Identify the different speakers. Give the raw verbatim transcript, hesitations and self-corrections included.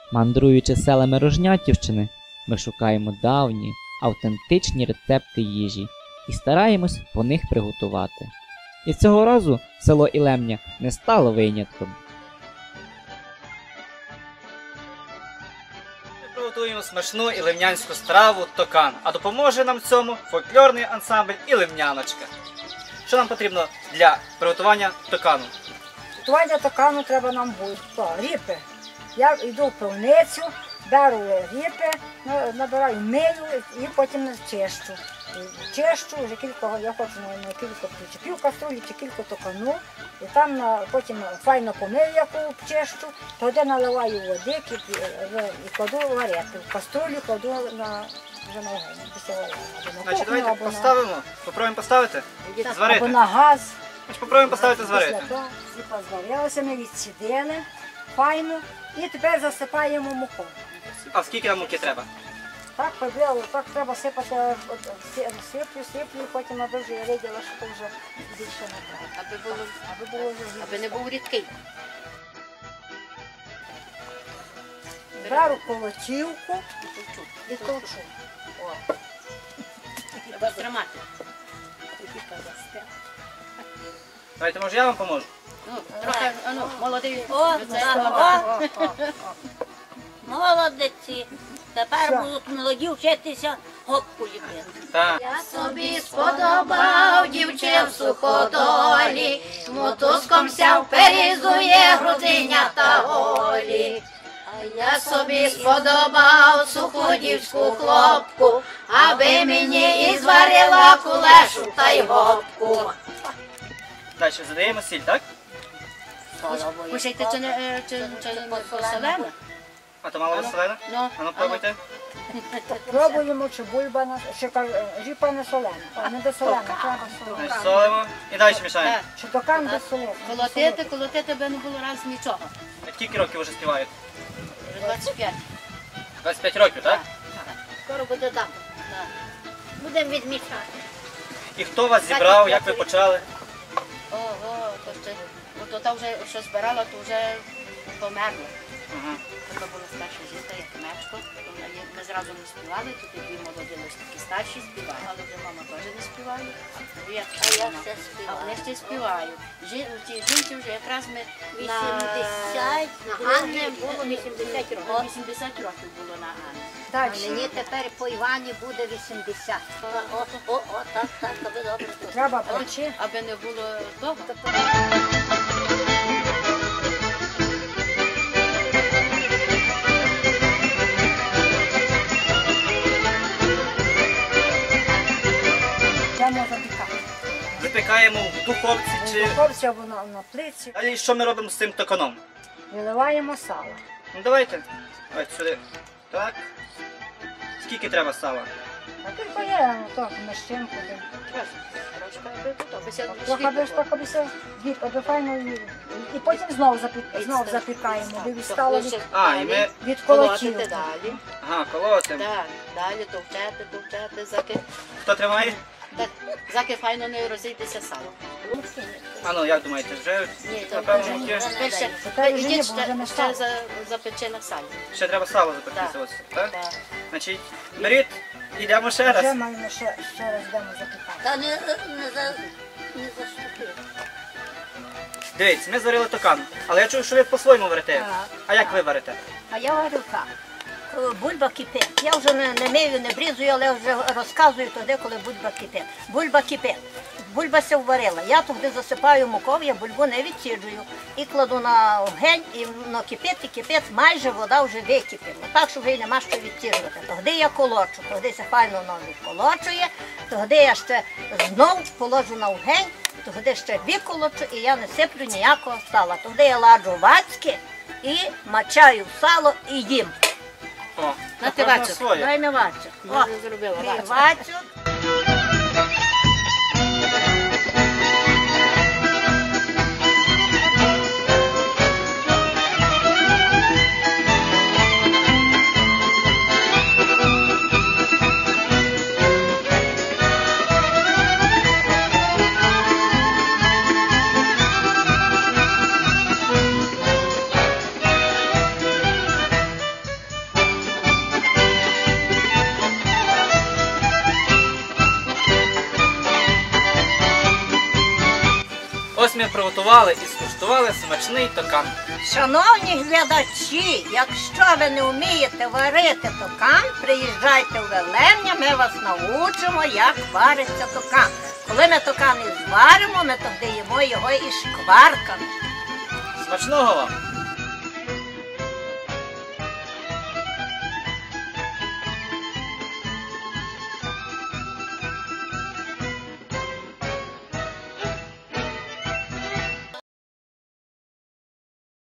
Speaker 1: Мандруючи селами Рожнятівщини, ми шукаємо давні, автентичні рецепти їжі і стараємось по них приготувати. І цього разу село Ілемня не стало винятком.
Speaker 2: Ми приготуємо смачну ілемнянську страву токан, а допоможе нам в цьому фольклорний ансамбль «Ілемняночка». Що нам потрібно для приготування токану?
Speaker 3: Готування токану треба нам буде. То, ріпи. Я йду в пивницю, беру ріпи, на- набираю мию і потім чищу. І Чищу вже кілька, я хочу на, на кілька чи пів каструлі, чи кілька токану. І там на, потім файно помию, яку чищу, туди наливаю води кип- в- і кладу варити. В каструлю кладу на, вже на огонь, після варення. Або на
Speaker 2: Значить,
Speaker 3: кухню,
Speaker 2: давайте
Speaker 3: або на-
Speaker 2: поставимо, попробуємо поставити,
Speaker 3: або
Speaker 2: зварити.
Speaker 3: на газ.
Speaker 2: Значить, попробуємо поставити зварити.
Speaker 3: Після того всі позварилися, ми відсідили, файно, і тепер засипаємо муку.
Speaker 2: А скільки нам муки треба?
Speaker 3: Так побіло, так треба сипати, от, сі- сиплю, сиплю, і потім аби вже я виділа, що то вже більше не треба.
Speaker 4: Аби було,
Speaker 3: Аби було вже
Speaker 4: аби не був рідкий.
Speaker 3: беру колотівку і толчу.
Speaker 4: О. Треба тримати.
Speaker 2: Давайте, може я вам поможу?
Speaker 4: Ну, трохи, а ну, молодий.
Speaker 5: О,
Speaker 4: це-
Speaker 5: так,
Speaker 3: О, о, о.
Speaker 5: Молодці. Тепер
Speaker 3: Що?
Speaker 5: будуть молоді вчитися гопку ліпити.
Speaker 2: Так.
Speaker 5: Я собі сподобав дівче в суходолі, мотузком ся вперізує грудиня та голі. А я собі сподобав суходівську хлопку, аби мені і зварила кулешу та й гопку.
Speaker 2: Далі задаємо сіль, так?
Speaker 4: Кушайте, чи не е, чи, чи не солене?
Speaker 2: А то мало веселена?
Speaker 4: Ну,
Speaker 2: А ну пробуйте.
Speaker 3: Пробуємо, чи бульба, на- чи кар- ріпа не солена, а не без солена, треба солена.
Speaker 2: Значить, солимо і далі мішаємо.
Speaker 4: Так.
Speaker 3: Чи токан без солена.
Speaker 4: Колотити, колотити би не було раз нічого.
Speaker 2: А скільки років вже співають?
Speaker 4: Вже двадцять п'ять.
Speaker 2: двадцять п'ять років, так?
Speaker 5: Скоро буде там. Будемо відмічати.
Speaker 2: І хто вас зібрав, як ви почали?
Speaker 4: Ого, то ще, то та вже, що збирала, то вже померла.
Speaker 2: Ага.
Speaker 4: Це була старша жінка, як мечко. То вона є- Ми зразу не співали, тут і дві молоді лише такі старші співали, але вже мама теж не співає. А я,
Speaker 5: А я
Speaker 4: вона-
Speaker 5: все
Speaker 4: а
Speaker 5: співаю.
Speaker 4: вони ще співають. Жі, ті жінці вже якраз ми на...
Speaker 5: вісімдесят,
Speaker 4: на
Speaker 5: було
Speaker 4: Анні
Speaker 5: мені було вісімдесят років.
Speaker 4: О, вісімдесят років було на Анні.
Speaker 5: А
Speaker 3: Далі.
Speaker 5: мені тепер по Івані буде вісімдесят. О, о, о, так, так, аби добре.
Speaker 3: Треба печи.
Speaker 4: Аби не було довго.
Speaker 3: Йдемо запікати.
Speaker 2: Запікаємо в духовці чи...
Speaker 3: Духовці або на, на плиці.
Speaker 2: Далі що ми робимо з цим токаном?
Speaker 3: Виливаємо сало.
Speaker 2: Ну давайте. Давайте сюди. Так. Скільки треба сала?
Speaker 3: А тільки є, ну так, мещенку.
Speaker 4: Трошки, аби то, аби ся
Speaker 3: Трохи аби ж так, аби все, від, аби файно, і, і потім знову, запік, знову запікаємо, аби відстало від,
Speaker 2: А, і ми...
Speaker 3: від
Speaker 4: колотити
Speaker 3: колотівки.
Speaker 4: далі.
Speaker 2: Ага, колотимо.
Speaker 4: Так, далі товчати, товчати, заки,
Speaker 2: Хто тримає?
Speaker 4: так, заки файно не розійдеться сало.
Speaker 2: А ну, як думаєте, вже?
Speaker 4: Ні, то
Speaker 2: Напевно,
Speaker 4: вже
Speaker 2: муки.
Speaker 4: ви ще,
Speaker 3: Тепер
Speaker 4: ви
Speaker 3: вже
Speaker 4: йдіть
Speaker 3: ні, бо вже не
Speaker 4: ще,
Speaker 3: стало.
Speaker 4: ще за, запече на салі.
Speaker 2: Ще треба сало запекти, ось, так?
Speaker 4: Так.
Speaker 2: Значить, беріть, йдемо ще
Speaker 3: Вже
Speaker 2: раз.
Speaker 3: маємо ще, ще раз йдемо запікати.
Speaker 5: Та не, не, за, не заступи.
Speaker 2: Дивіться, ми зварили токан, але я чув, що ви по-своєму варите.
Speaker 5: Так,
Speaker 2: А як ви варите?
Speaker 5: А я говорю так. Коли бульба кипить. Я вже не, не мию, не брізую, але вже розказую тоді, коли бульба кипить. Бульба кипить. Бульба се варила. Я туди засипаю мукою, я бульбу не відсіджую. І кладу на огонь, і воно кипить, і кипить, майже вода вже википіла. Так, що вже й нема що відсіджувати. Тоді я колочу, тоді се файно воно відколочує, тоді я ще знов положу на огонь, тоді ще виколочу, і я не сиплю ніякого сала. Тоді я ладжу вацьки і мачаю в сало і їм.
Speaker 2: О,
Speaker 4: На
Speaker 2: кожного
Speaker 4: тивачок.
Speaker 2: своє.
Speaker 5: Дай на вацю.
Speaker 4: Я вже зробила. бачите.
Speaker 5: Вацю.
Speaker 2: Ось ми приготували і скуштували смачний токан.
Speaker 5: Шановні глядачі, якщо ви не вмієте варити токан, приїжджайте в Велемня, ми вас навчимо, як вариться токан. Коли ми токан і зваримо, ми тоді їмо його із шкварками.
Speaker 2: Смачного вам!